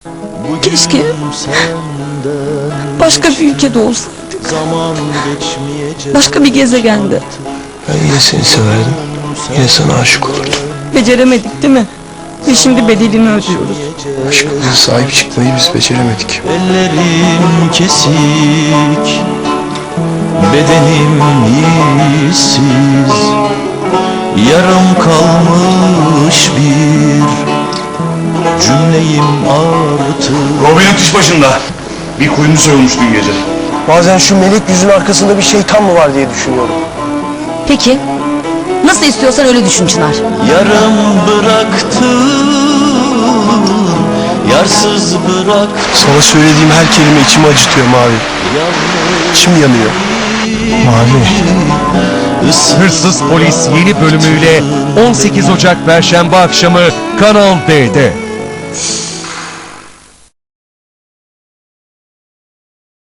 Keşke başka bir ülkede olsaydık. Başka bir gezegende. Ben yine seni severdim. Yine sana aşık olurdum. Beceremedik değil mi? Ve şimdi bedelini ödüyoruz. Aşkımıza sahip çıkmayı biz beceremedik. Ellerim kesik, bedenim iyisiz, yarım kalmış bir cümleyim artık. Robin iş başında. Bir kuyumcu soyulmuş dün gece. Bazen şu melek yüzün arkasında bir şeytan mı var diye düşünüyorum. Peki, nasıl istiyorsan öyle düşün Çınar. Yarım bıraktım, yarsız bırak. Sana söylediğim her kelime içimi acıtıyor Mavi. İçim yanıyor. Mavi. Hırsız Polis yeni bölümüyle 18 Ocak Perşembe akşamı Kanal D'de.